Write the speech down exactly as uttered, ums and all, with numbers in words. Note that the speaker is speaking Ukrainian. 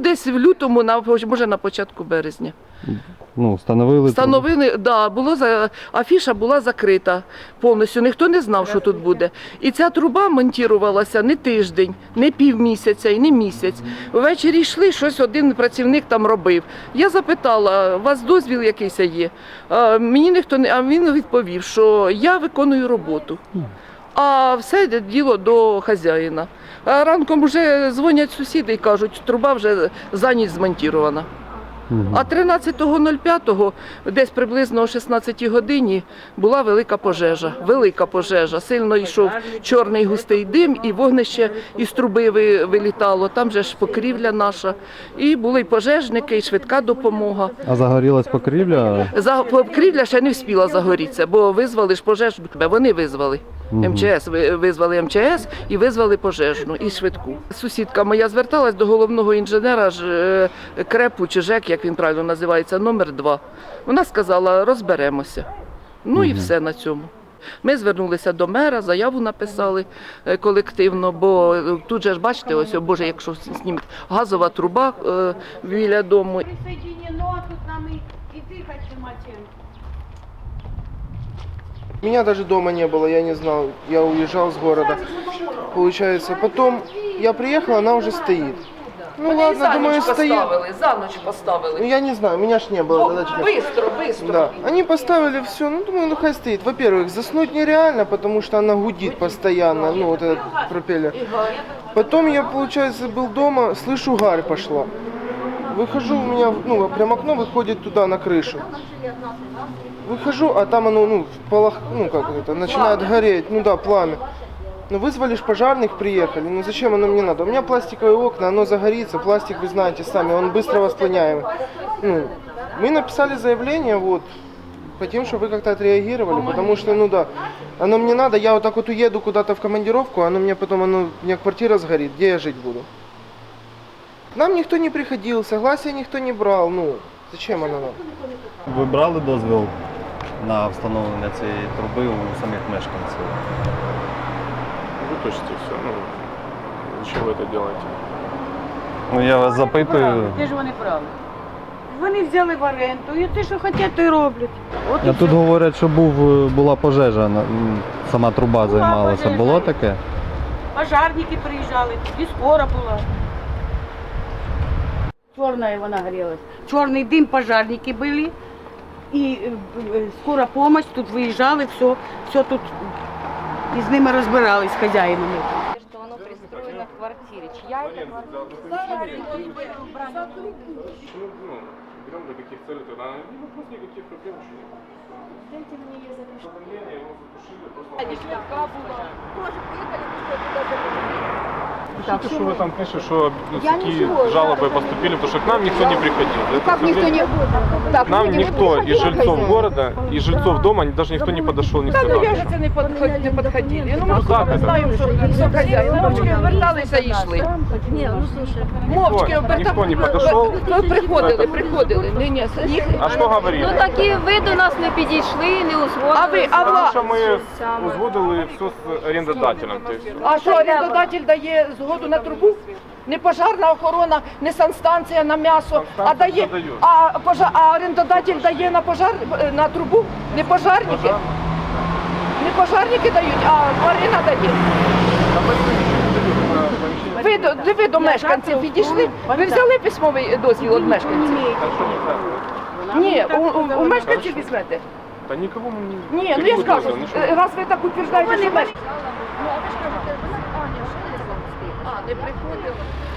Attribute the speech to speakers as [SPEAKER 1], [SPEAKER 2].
[SPEAKER 1] десь в лютому, на, може на початку березня.
[SPEAKER 2] Ну, встановили?
[SPEAKER 1] Встановили, так, да, було, за, афіша була закрита повністю, ніхто не знав, що тут буде. І ця труба монтувалася не тиждень, не півмісяця і не місяць. Ввечері йшли, щось один працівник там робив. Я запитала, у вас дозвіл якийсь є? А, мені ніхто не, а він відповів, що я виконую роботу. А все діло до хазяїна. А ранком вже дзвонять сусіди і кажуть, труба вже за ніч змонтована. А тринадцятого п'ятого, десь приблизно о шістнадцятій годині, була велика пожежа. Велика пожежа. Сильно йшов чорний густий дим, і вогнище із труби вилітало. Там же ж покрівля наша. І були й пожежники, і швидка допомога.
[SPEAKER 2] А загорілась покрівля?
[SPEAKER 1] За, покрівля ще не встигла загорітися, бо визвали ж пожежну. Вони визвали. Ем Че Ес, визвали Ем Че Ес і визвали пожежну і швидку. Сусідка моя зверталась до головного інженера ж КРЕПу чи ЖЕК, як він правильно називається, номер два. Вона сказала, розберемося. Ну і все на цьому. Ми звернулися до мера, заяву написали колективно, бо тут же ж бачите, ось, о, Боже, якщо знімуть, газова труба е, біля дому.
[SPEAKER 3] Присоединено, тут нам и, и дыхать нема чем.
[SPEAKER 4] Меня даже дома не было, я не знал, я уезжал с города, получается. Потом я приехал, она уже стоит. Ну
[SPEAKER 1] Вони
[SPEAKER 4] ладно,
[SPEAKER 1] за
[SPEAKER 4] думаю,
[SPEAKER 1] ніч
[SPEAKER 4] стоит.
[SPEAKER 1] поставили, за ніч
[SPEAKER 4] Ну
[SPEAKER 1] поставили.
[SPEAKER 4] я не знаю, меня ж не было.
[SPEAKER 1] О,
[SPEAKER 4] тогда чего.
[SPEAKER 1] бистро, бистро.
[SPEAKER 4] Да, они поставили все, ну думаю, ну хай стоит. Во-первых, заснуть нереально, потому что она гудит постоянно, ну вот этот пропеллер. Потом я, получается, был дома, слышу, гарь пошла. Выхожу, у меня, ну, прям окно выходит туда, на крышу. Выхожу, а там оно, ну, в полах, ну, как это, начинает гореть, ну да, пламя. Ну, вызвали ж пожарных, приехали, ну зачем оно мне надо? У меня пластиковые окна, оно загорится, пластик, вы знаете сами, он быстро воспламеняемый. Ну, мы написали заявление, вот, хотим, чтобы вы как-то отреагировали, потому что, ну да, оно мне надо, я вот так вот уеду куда-то в командировку, оно мне потом, оно, у меня квартира сгорит, где я жить буду? К нам никто не приходил, согласия никто не брал, ну, зачем оно нам?
[SPEAKER 2] Ви брали дозвіл на встановлення цієї труби у самих мешканців?
[SPEAKER 5] Вытушите все. Ну, зачем вы это делаете?
[SPEAKER 2] Ну, я вас запитую.
[SPEAKER 3] Де ж вони праві? Вони взяли в оренду, і те, що хочуть, то й роблять. От і
[SPEAKER 2] А тут
[SPEAKER 3] все.
[SPEAKER 2] говорять, що був, була пожежа, на- м, сама труба займалася.
[SPEAKER 3] пожежа.
[SPEAKER 2] Було таке?
[SPEAKER 3] Пожарники приїжджали, і скоро була. Чорна вона горілась. Чорний дим, пожарники були. І е, е, скора допомога, тут виїжджали, все, все тут і з ними розбирались, з хазяїнами.
[SPEAKER 6] Что оно пристроено в квартире. Чья это квартира?
[SPEAKER 5] Ну, берем для каких целей тогда? Не вопрос никаких проблем, еще нет. Дайте мне я запишу. Уведомление, его затушили, просто... Пишите, что вы там пишете, что ну, такие жалобы поступили, потому что к нам никто не приходил. Ну,
[SPEAKER 7] Как никто не... Так,
[SPEAKER 5] К нам
[SPEAKER 7] люди не
[SPEAKER 5] никто
[SPEAKER 7] приходили,
[SPEAKER 5] из жильцов
[SPEAKER 7] хозяин.
[SPEAKER 5] города, из жильцов дома, даже никто не подошел, не сказал.
[SPEAKER 1] Я ж це не підходили. Не підходили. Ну,
[SPEAKER 5] Ну,
[SPEAKER 1] ми
[SPEAKER 5] так, это-
[SPEAKER 1] знаємо, що хто хазяїн. Мовчки оберталися і йшли. Мовчки
[SPEAKER 5] Никто-
[SPEAKER 1] оберталися.
[SPEAKER 5] никто не подошел.
[SPEAKER 1] Ну, приходили, приходили. Ні, ні, їх...
[SPEAKER 5] А что говорили?
[SPEAKER 6] Ну такі ви до нас не підійшли, не узгодили.
[SPEAKER 1] А ви, а
[SPEAKER 5] Потому
[SPEAKER 1] ва...
[SPEAKER 5] что мы узгодили все с арендодателем. То есть,
[SPEAKER 1] А що орендодатель дає згоду на трубу? Не пожарна охорона, не санстанція на м'ясо, а дає,
[SPEAKER 5] дають.
[SPEAKER 1] а, пожар, а орендодатель дає на пожар, на трубу, не пожарники. Не пожарники дають, а Марина дає. Ви, до- ви до мешканців підійшли, ви взяли письмовий дозвіл від мешканців?
[SPEAKER 5] так что не знаю.
[SPEAKER 1] Ні, у, у, у мешканців візьмете?
[SPEAKER 5] Да никого мы не...
[SPEAKER 1] Ні, ну я ж кажу,
[SPEAKER 5] Ну, что?
[SPEAKER 1] раз ви так утверждаєте, що мешканці. Ну, а ви ж кажете, вона, а, не, що не А, не приходила.